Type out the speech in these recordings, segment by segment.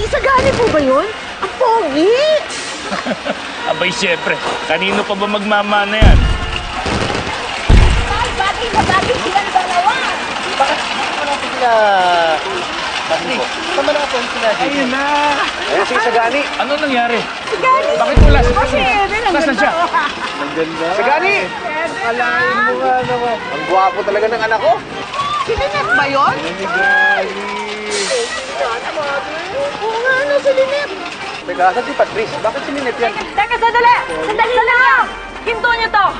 Sagani po ba yun? Ang pogi! Abay, syempre. Kanino pa ba magmamana yan? Ay, bagay na bagay sila ng dalawa! Bakit natin sila... Patrick, tama na natin sila dito. Ayun na! Ayun si Sagani. Ano nangyari? Sagani! Bakit wala siya? Nasaan siya? Ang ganda. Sagani! Akalain mo nga naman. Ang gwapo talaga ng anak ko. Sininep ba yun? Oo nga, ano, sininep? Teka, saan si Patrice? Bakit sininip yan? Teka, sandali! Sandali lang! Hinto niyo to!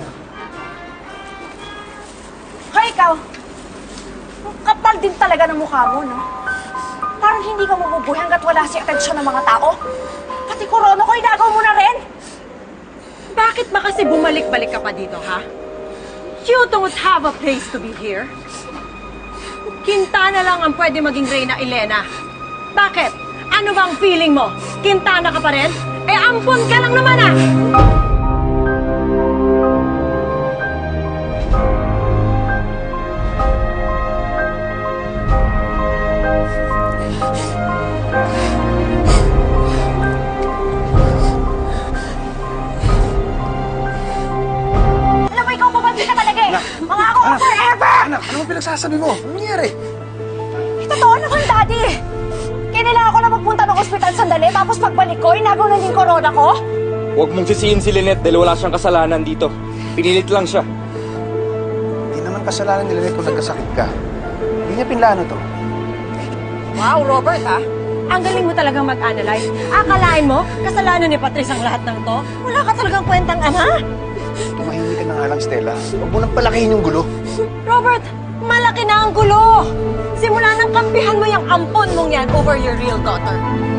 Hoy, ikaw! Ang kapal din talaga ng mukha mo, no? Parang hindi ka mabubuhay hanggat wala si atensyon ng mga tao. Pati korona ko, inagaw mo na rin! Bakit ba kasi bumalik-balik ka pa dito, ha? You don't have a place to be here. Quintana lang ang pwede maging Reyna Elena. Bakit? Ano bang feeling mo? Quintana ka pa rin? Eh, ampon ka lang naman, ah! Alam mo, ikaw pabandi ka talaga eh! Mga ako forever! Anak, ano mo pinagsasabi mo? Ano nangyari? Totoo naman, Daddy! Kailangan ko na magpunta ng ospital sandali, tapos pagbalik ko, inagaw na din corona ko? Huwag mong sisihin si Lynette dahil wala siyang kasalanan dito. Pinilit lang siya. Hindi naman kasalanan nila nito kung nagkasakit ka. Hindi niya pinlano to. Wow, Robert, ha? Ang galing mo talagang mag-analyze. Akalain mo, kasalanan ni Patrice ang lahat ng to? Wala ka talagang kwentang ama? Tumahimik ka na nga lang, Stella. Huwag mo nang palakihin yung gulo. Robert, malaki na ang gulo! Simula nang kampihan mo yung ampon mong yan over your real daughter.